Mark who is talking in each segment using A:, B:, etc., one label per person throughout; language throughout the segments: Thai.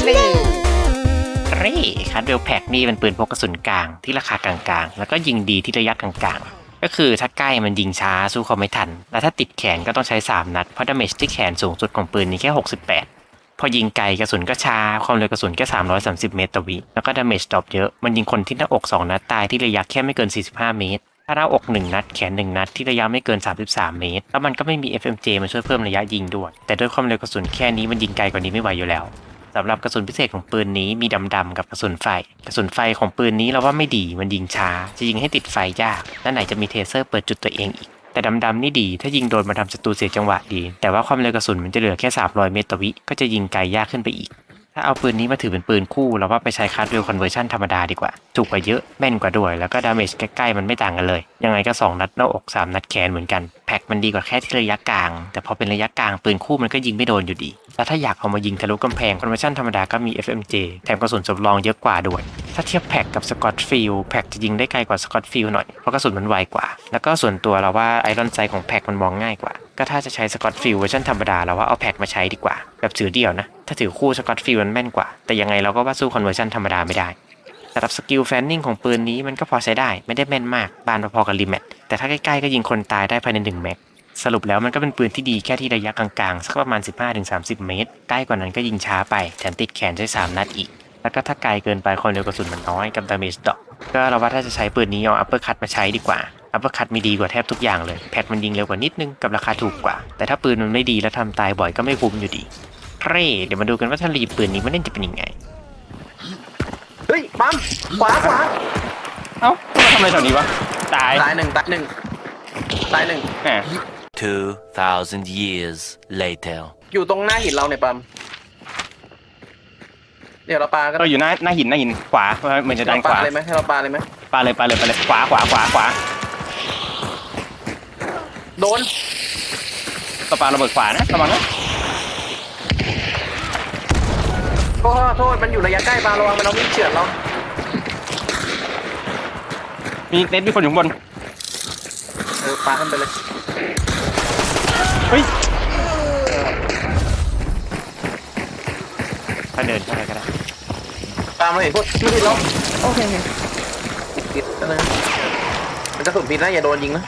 A: คัทเวลแพ็กนี่เป็นปืนพกกระสุนกลางที่ราคากลางๆแล้วก็ยิงดีที่ระยะกลางๆก็คือถ้าใกล้มันยิงช้าสู้เขาไม่ทันแล้วถ้าติดแขนก็ต้องใช้3นัดเพราะดาเมจที่แขนสูงสุดของปืนนี้แค่68พอยิงไกลกระสุนก็ช้าความเร็วกระสุนแค่330เมตรต่อวิแล้วก็ดาเมจดรอปเยอะมันยิงคนที่หน้าอก2นัดตายที่ระยะแค่ไม่เกิน45เมตรถ้าหน้าอก1นัดแขน1นัดที่ระยะไม่เกิน33เมตรแล้วมันก็ไม่มี FMJ มาช่วยเพิ่มระยะยิงด้วยแต่ด้วยความเร็วกระสุนแค่นี้มันยิงไกลกว่านี้ไม่ไหวอยู่แล้วสำหรับกระสุนพิเศษของปืนนี้มีดำๆกับกระสุนไฟของปืนนี้เราว่าไม่ดีมันยิงช้าจะยิงให้ติดไฟยากและไหนจะมีเทเซอร์เปิดจุดตัวเองอีกแต่ดำๆนี่ดีถ้ายิงโดนมาทำศัตรูเสียจังหวะดีแต่ว่าความเร็วกระสุนมันจะเหลือแค่300เมตรต่อวิก็จะยิงไกลยากขึ้นไปอีกถ้าเอาปืนนี้มาถือเป็นปืนคู่เราว่าไปใช้คัทเวลคอนเวอร์ชันธรรมดาดีกว่าถูกกว่าเยอะแม่นกว่าด้วยแล้วก็ดาเมจใกล้ๆมันไม่ต่างกันเลยยังไงก็2นัดหน้าอก3นัดแขนเหมือนกันแพ็คมันดีกว่าแค่ที่ระยะกลางแต่พอเป็นระยะกลางปืนคู่มันก็ยิงไม่โดนอยู่ดีแล้วถ้าอยากเอามายิงทะลุกำแพงคอนเวอร์ชันธรรมดาก็มี FMJ แถมกระสุนสำรองเยอะกว่าด้วยถ้าเทียบแพ็คกับสกอตฟิลแพ็คจะยิงได้ไกลกว่าสกอตฟิลหน่อยเพราะกระสุนมันไวกว่าแล้วก็ส่วนตัวเราว่าไอรอนไซด์ของแพ็คมันมองง่ายกว่าก็ถ้าจะใช้สกอตฟิลเวอร์ชันธรรมดาเราว่าเอาแพ็คมาใช้ดีกว่าแบบถือเดี่ยวนะถ้าถือคู่สกอตฟิลมันแม่นกว่าแต่ยังไงเราก็ว่าสู้คอนเวอร์ชันธรรมดาไม่ได้สำหรับสกิลแฟนนิ่งของปืนนี้มันก็พอใช้ได้ไม่ได้แม่นมากบานพอๆกับรีแมทแต่ถ้าใกล้ๆก็ยิงคนตายได้ภายใน1แม็กสรุปแล้วมันก็เป็นปืนที่ดีแค่ที่ระยะกลางๆสักประมาณ 15-30 เมตรใกล้กว่านั้นก็ยิงช้าไปแถมติดแขนใช้3นัดอีกแล้วก็ถ้าไกลเกินไปความเร็วกระสุนมันน้อยกับดาเมจดรอปก็เราว่าถ้าจะใช้ปืนนี้เอาอัปเปอร์คัตมาใช้ดีกว่าอัปเปอร์คัตมีดีกว่าแทบทุกอย่างเลยแพ็คมันยิงเร็วกว่านิดนึงกับราคาถูกกว่าแต่ถ้าปืนมันไม่ดีแล้วทำตายบ่อยก็ไม่คุ้มอยู่ดีเดี๋ยวมาดูกันว่าถ้ารีปืนนี้มันเล่นจะเป็นยังไง
B: เฮ้ยปั๊มขวา
A: เอ้ามาทำอะไรแถวนี้วะตาย
B: หนึ่ง
C: 2,000 years later
B: อยู่ตรงหน้าหินเราเนี่ยปั๊มเดี๋ยวเราปาก็
A: อยู่หน้าหินขวาเหมือนจะดันขวา
B: เลยไหมให้เราปาเลยไหม
A: ปาเลยขวา
B: โดน
A: ปาระเบิดขวานะระวังนะ
B: โทษมันอยู่ระยะใกล้ปาระวังมันเอามีดเฉือนเรา
A: มีเน็ตมีคนอยู่ข้างบน
B: ปาขึ้นไปเลย
A: เฮ้ยถ้าเดินก็ได้
B: ตามเราเห็นพวกไม่ผิดเรา
D: โอเค
B: ผิดนะมันกระสุนผิดนะอย่าโดนยิงนะ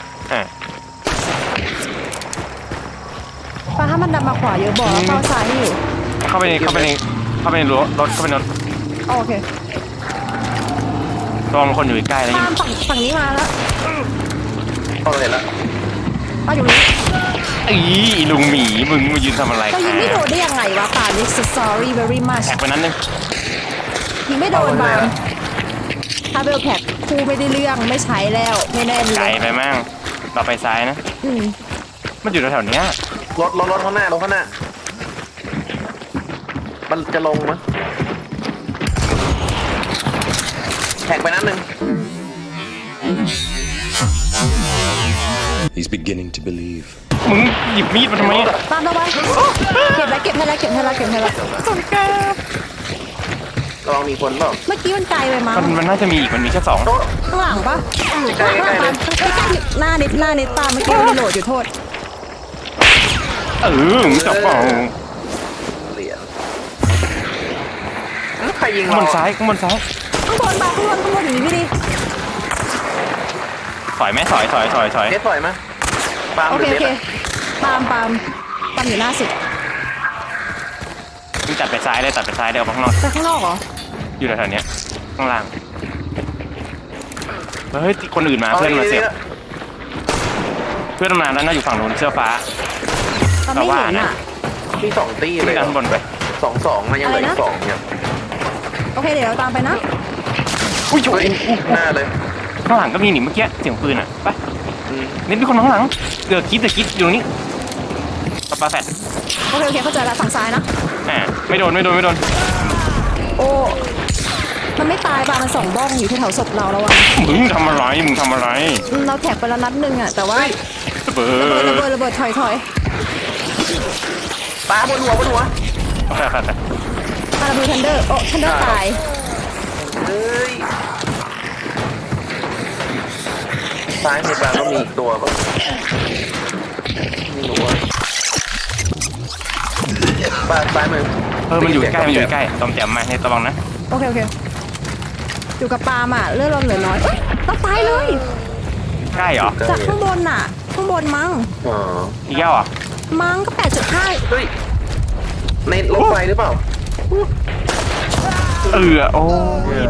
D: ปาถ้ามันดันมาขวาเยอะบอกแล้วเข้าซ้ายให้อยู่
A: เข้าไปในรถเข้าไปในรถ
D: โอเค
A: ตอนคนอยู่ใกล้แล้ว
D: ฝั่งนี้มาแล้ว
B: พอเราเห็นแล้ว
D: ป้าอยู่นี่
A: ลุงหมีมึงมายืนทำอะไร
D: ก็ยิงไม่โดนได้ยังไงวะป่านี่ sorry very much
A: แท็กไปนั้นนึง
D: ยิงไม่โดนบางถ้าเบลแพ็คคู่ไม่ได้เรื่องไม่ใช้แล้วไม่แน่เลย
A: ไกลไปมั่งเราไปซ้ายนะมันอยู่แถวๆนี้
B: รถข้างหน้ามันจะลงมั้ยแท็กไปนั้นนึง
C: He's beginning to believe
A: มึงหยิบมีดมาทำไม
D: ตามเราไปเก็บให้แล้ว
A: สนใจ
B: ลองมีคนเปล่า
D: เมื่อกี้มันไกลไปมั้ง
A: มันน่าจะมีอีกมันมีแค่2
D: ข้างหลังปะ
B: ใกล้
D: หน้านิดตามเมื่อกี้มันโหลดอยู่โทษ
A: มึงจับเปล่า
B: เหรียญใครยิง
A: ข้างบนซ้าย
D: ข้างบนอย่างนี้พี่ดิ
A: ถอยไหมถอย
B: เด็ดถอยไหม
D: โอเคปามอยู่หน้าสุด
A: มึงตัดไปซ้ายเลยออกไปข้างนอก
D: ไปข้างนอกเหรอ
A: อยู่แถวๆนี้ข้างล่างเฮ้ยคนอื่นมาเพื่อนมาเสียบเพื่อนมาแล้วน่าอยู่ฝั่งนู้นเสื้อฟ้า
D: เราว่านะ
B: ที่2ตีเลย
A: ข้างบนไป
B: 2นะยังเหลืออีก2เนี่ย
D: โอเคเดี๋ยวเราตามไปนะ
A: อุ้ย
B: หน้าเลย
A: ข้างหลังก็มีหนิเมื่อกี้เสียงปืนอ่ะไปนี่มีคนข้างหลังเดือดคิดอยู่นี่ปาแฟด
D: โอเคเข้าใจแล้วฝั่งซ้ายนะ
A: ไม่โดน
D: โอ้มันไม่ตายป่ะมัน2บ้องอยู่ที่แถวศพเราแล้วอ่ะ
A: มึงทำอะไร
D: เราแท็กไปแล้วนัดนึงอ่ะแต่ว่าระเบิดถอย
B: ปาบนหัว
A: โอเค
D: ปาระเบิดทันเดอร์ตาย
B: ซ้ายในปลาก็มีอีกตัวป่ะไม่รู้ว่าบ้านซ้ายมือ
A: มันอยู่ใกล้มันอยู่ใกล้ตอมแจ่มมาให้ระวังนะ
D: โอเคอยู่กับปาล์มอ่ะเลือดเราเหลือน้อยต้องตายเลย
A: ใกล้เหรอ
D: จากข้างบนน่ะข้างบนมั้ง
B: อ๋อ
A: อีกแล้วเหรอ
D: มั้งก็8.5
B: เฮ้ยในรถไฟหรือเปล่า
A: โอ้ย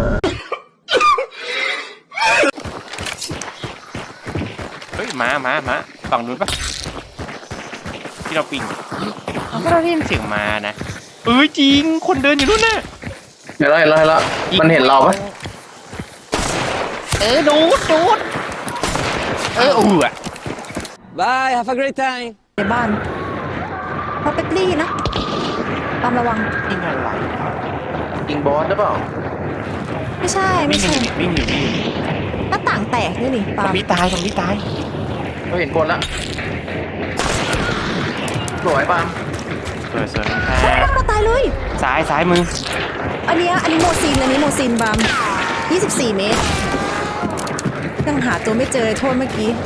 A: เฮ้ยมาฝั่งนู้นปะที่เราปิงเราก็ได้ยินเสียงมานะจริงคนเดินอยู่นู่นน่ะ
B: เห็นแล้วมันเห็นเราปะ
A: ดูดอ่ะ
E: Bye, have a great time.
D: ในบ้านเพราะเป็ดลี่นะปาล์มระวัง
A: ยิงอะไร
B: ยิงบอสหรือเปล่า
D: ไม่ใช่
A: วิ่งอยู่
D: หน้าต่างแตกนี่นี่ปาล์ม
A: ซอมบี้ตาย
B: เราเห็นคนละสวยปาล์ม
A: สวย
D: มาตายเลย
A: ซ้ายมือ
D: อันนี้โมซินปาล์ม24 เมตรยังหาตัวไม่เจอเลยโทษเมื่อกี้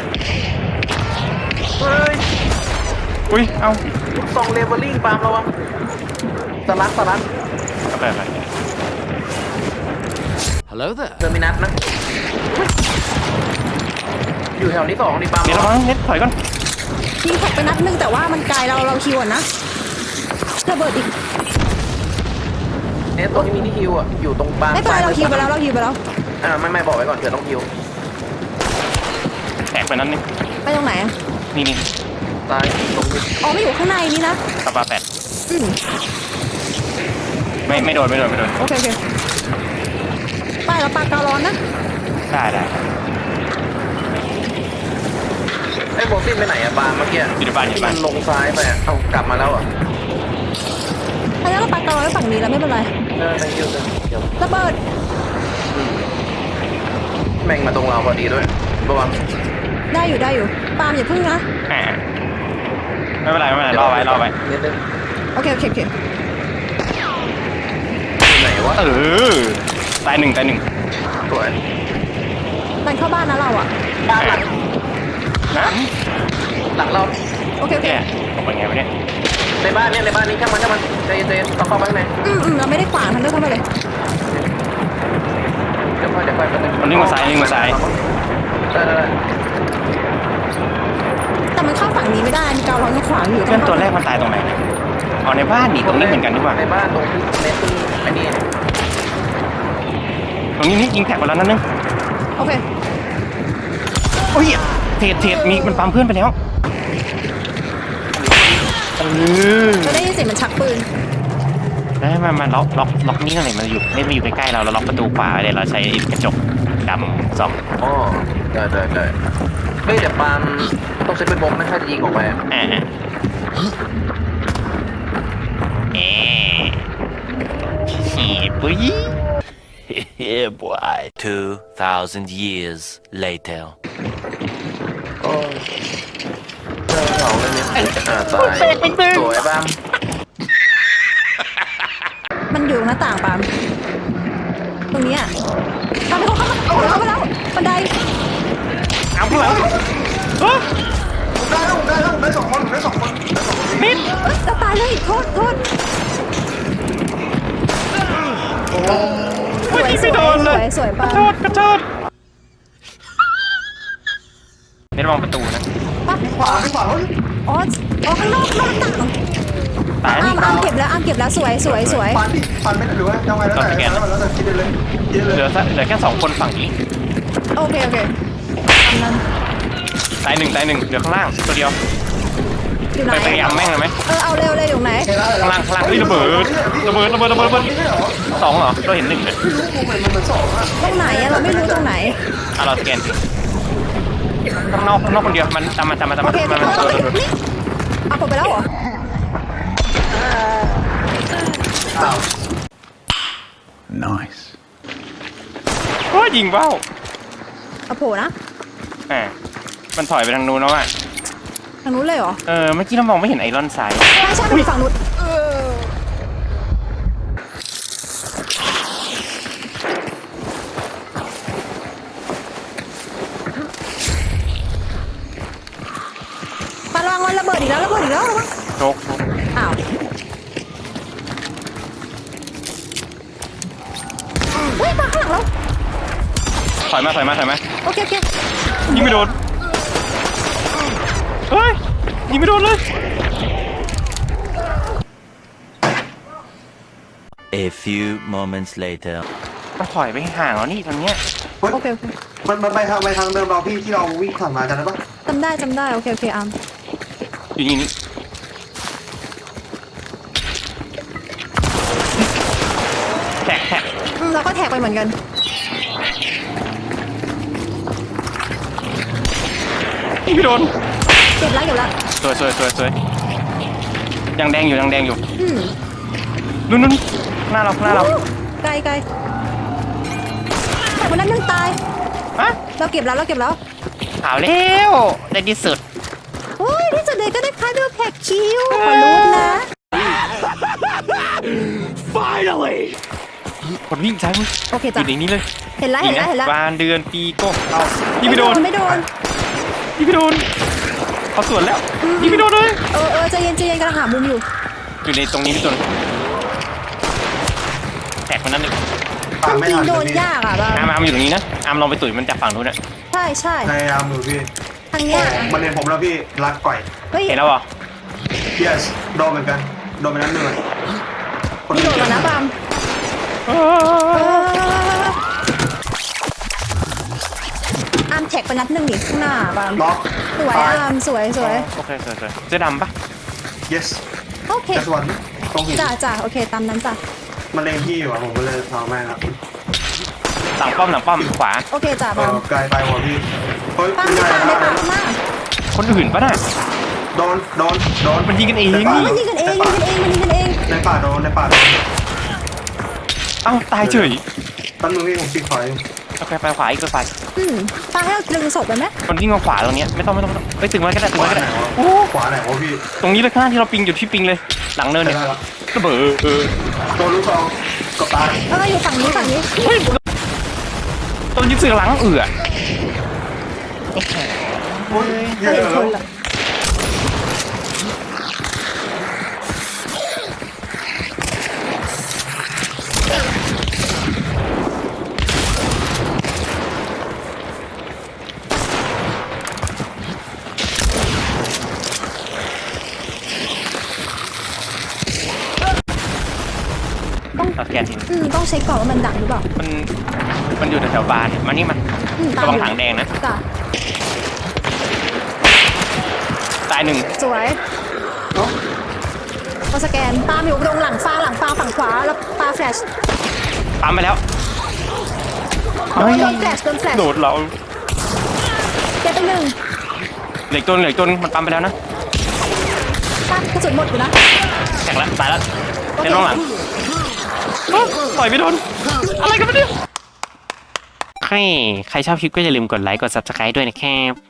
B: เฮ้ย
A: อุ้ยเอ้า
B: ลูกซองเลเวลลิ่งปาล์มระวังสลัด
A: ไป
C: Hello there.
B: เทอร์มินัสนะอยู่แถวนี้2นี่ปาล์ม
A: เดี๋ยวระวังเน็ตถอยก่อน
D: ยิงแท็กไปนัดนึงแต่ว่ามันไกลเราคิวอ่ะนะระเบิดอีก
B: เนี่ยตัวที่มีที่คิวอ่ะอยู่ตรงปาล์ม
D: ไม่เป็นไรเราคิวไปแล้ว
B: ไม่บอกไว้ก่อนเผื่อต้องคิว
A: แตกไปนั้นนึง
D: ไปตรงไหนอะ
A: นี่
B: ตายตรงนี้
D: อ๋อไม่อยู่ข้างในนี่นะ
A: กระปาแปด
D: อืม
A: ไม่โดน
D: โอเคไปเราปากการ้อนนะ
A: ได้
B: ไอ้โบซินไปไหนอะปาล์มเมื่อกี้
A: อยู่ในบ้าน
B: ที่มันลงซ้ายไปอะเอากลับมาแล้วอ่ะ
D: อันนี้เราปากการ้อนไว้ฝั่งนี้แล้วไม่เป็นไร
B: ไม่คิวเลยเดี๋ยว
D: ระเบิด
B: แม่งมาตรงเราพอดีด้วยระวัง
D: ได้อยู่ปาล์มอย่าพึ่งนะ
A: ไม่เป็นไรรอไว้
B: นิดนึง
D: โอเค
B: อยู่ไหนวะ
A: ตายหนึ่ง
B: สวย
D: ดันเข้าบ้านนะเราอ่ะ
B: บ้านหลัง
A: นะ
B: หลังเรา
D: โอเค
A: เนี่ยผมเป็นไงวะเนี่ย
B: ในบ้านนี้ช่างมันใจเย็นต้องเข้าไปข้างใน
D: เราไม่ได้ขวางทันด้วยเข้ามาเลย
B: เดี๋ยวค่อยแป๊บนึง
A: มันวิ่งมาซ้าย
B: ได้
D: แต่มันเข้าฝั่งนี้ไม่ได้มีการ้อนขวางอยู่
A: เพื่อนตัวแรกมันตายตรงไหนเอาในบ้านนี่ตรงนี้เหมือนกันดีกว่า
B: ในบ้านตรงที่เน็ตที่อันนี้
A: ตรงนี้นี่ยิงแท็กไปแล้วนั่นนึง
D: โอเค
A: โอ้ยเทรดมีมันปั๊มเพื่อนไปแล้ว
D: จะได้ยินเสียงมันชักปืน
A: แล้วมาล็อกนี่นั่นเลยมันอยู่ใกล้ๆเราล็อกประตูขวาเลยเราใช้กระจกดำส่อง
B: อ๋อได้เฮ้ยแต่ปาล์มต้องใช้เป็นบอมไม่ใช่จะยิงออกไป
A: ขี่ปุ้ย
C: Yeah, boy. 2,000 years later.
B: โอ้เจอเขาเลยเนี่ยตายสวยปาล์ม
D: มันอยู่หน้าต่างปาล์มตรงนี้อ่ะปาล์มเข้ามาแล้วบันได
A: เอาข้างหลัง
B: ได้สองคน
A: มิด
D: จะตายเลยโทษ
A: ไม่โดนเลย
D: สวยปาล์ม
A: กระโดดไม่ระวังประตูนะ
B: ขวา
D: อ๋อข้างนอกหน้าต่าง
A: ตาย
D: อาร์มเก็บแล้วสวย
F: ฟันไม่หรือว่ายังไงแล้วแต่คิดเลย
A: เหลือแค่2 คนฝั่งนี้
D: โอเคทำนั้น
A: ตายหนึ่งเหลือข้างล่างตัวเดียว
D: อยู่ไหน
A: ไปยำแม่งเลยไหม
D: เอาเร็วเลยอยู่ไหน
A: ข้างล่างเฮ้ยระเบิด2เหรอเราเห็น1เลย
D: ตรงไหนอะเราไม่รู้ตรงไหน
A: เราสแกนข้างนอกคนเดียวมันตามมา
D: โอเคนี่เอาผมไปแล้วเหรอ
F: Nice
A: ก็ยิงเบ้า
D: เอาโผล่นะ
A: มันถอยไปทางนู้นแล้วอ่ะ
D: ทางนู้นเลยเหรอ
A: เมื่อกี้เรามองไม่เห็นไอรอนไซด์
D: ใช่มันอยู่ฝั่งนู้นปาระวังมันระเบิดอีกแล้วระวัง
A: โชค
D: อ้าว
A: ถอยมา
D: โอเคโอเค
A: ยิงไม่โดนเฮ้ยยิงไม่โดนเลย
C: A few moments later.
A: มันถอยไปห่างแล้วนี่ตรงเนี้ย
F: เฮ้ย
D: โอเคโอเค
F: มันไปทางเดิมเราพี่ที่เราวิ่งผ่านมาจำได้ปะ
D: จำได้โอเคโอเคอาร์ม
A: อยู่นี่แท็ก
D: เราก็แท็กไปเหมือนกัน
A: ยิงไม่โดน
D: เก็บแล้ว
A: สวยยังแดงอยู่
D: อืม
A: นู่นหน้าเรา
D: ไกลแต่วันนั้นยังตาย
A: ฮะ
D: เราเก็บแล้ว
A: ขาวแล้วในที่สุด
D: โอ้ยที่สุดเลยก็ได้คาร์ดแพ็กคิวขอรู้นะ
A: คนวิ่งซ้ายมือ
D: โอเค
A: อ
D: จ้ะ
A: ยู่ในนี้เลย
D: เห็นแล้ว
A: วานเดือนปีโก้เอายิงไม่โดน
D: ไม่โดน
A: เขาสวนแล้วยิงไม่โดนเลย
D: ใจเย็นกำลังหามุมอยู่
A: อยู่ในตรงนี้พี่ตุนแท็กมันนั่นเลย
F: ตามไม่
D: จริง
F: ทัน
D: โด
F: เลย
D: น
F: พี่
D: ยากอ่ะบ้า
A: อามอยู่ตรงนี้นะอามลองไปตุ๋ยมันจากฝั่งนู้นน่ะ
D: ใช่
F: พยายามอยู่พี่
D: ทางเนี้ย
F: มันเห็นผมแล้วพี่รักก่อย
D: เฮ้ย
A: เห็นแล้วเหรอ
F: yes โดนเหมือนกันโดนไปนั้นหนึ่งอะคน
D: นี่โดดแล้วนะบามอาร์มแท็กไปนัดหนึ่งดิข้างหน้าบาม
F: ล็อก
D: สวยอาร์มสวย
A: โอเคสวยเสื้อดำปะ
F: yes
D: โอเค
F: just one ตรงหิน
D: จ้ะโอเคตามนั้นจ้ะ
F: มันเล็งพี่อยู่อะผมก็เลยเอาแม่งอะ
A: หลังป้อมขวา
D: โอเคจ้ะบาม
F: ไกลไปหัวพี่เฮ้ย
D: ปาม
F: ไม่
D: ใน
F: ได้
D: ป่า
F: นะ
D: ข้างหน้า
A: คนอื่นปะน่ะ
F: โดน
A: มันยิงกันเอง
F: ในป่า
D: มันยิงกันเองมันยิงกันเอง
F: ในป่าโดน
A: เอ้าตายเฉย
F: แป๊บนึงพี่ผมปิดไฟ
A: โอเคไปขวาอีกไปขวา
D: ปาให้เราดึงศพไปไหม
A: คนวิ่งมาขวาตรงเนี้ยไม่ต้องไปตึงไว้ก็ได้
F: ขวาไหนวะขวาไหนวะพี่
A: ตรงนี้เลยข้างหน้าที่เราปิงอยู่ที่ปิงเลย หลังเนินเนี่ย
F: ได้แล้ว
A: ระเบิด
F: โดนลูกซองกับตาย
D: อยู่ฝั่งนี้
A: เฮ้ยตัวยิงเสือหลัง
F: โ
A: เอือ
F: อ้ยเย
D: เฮ้ย
F: อะ
D: คน
F: แล้ว
D: ละ
A: ตัดแกนทิ้ง
D: ต้องเช็คก่อนว่ามันดังหรือเปล่า
A: มันอยู่แถวๆบานเนี่ยมันนี่มันระวังถังแดงนะ
D: จ้ะ
A: ตายหนึ่ง
D: สวยมาสแกนปาอยู่ตรงหลังฟ้าฝั่งขวาแล้วปาแฟลช
A: ปั๊มไปแล้ว
D: โดนแฟลช
A: โดดเรา
D: เก็บไปหนึ่ง
A: เหล็กจนมันปั๊มไปแล้วนะ
D: ปากระสุนหมดอยู่นะ
A: แตกแล้วตายแล้วเล่นน้องหลังปล่อยไม่โดนอะไรกันเนี่ยใครชอบคลิปก็อย่าลืมกดไลค์กด subscribe ด้วยนะครับ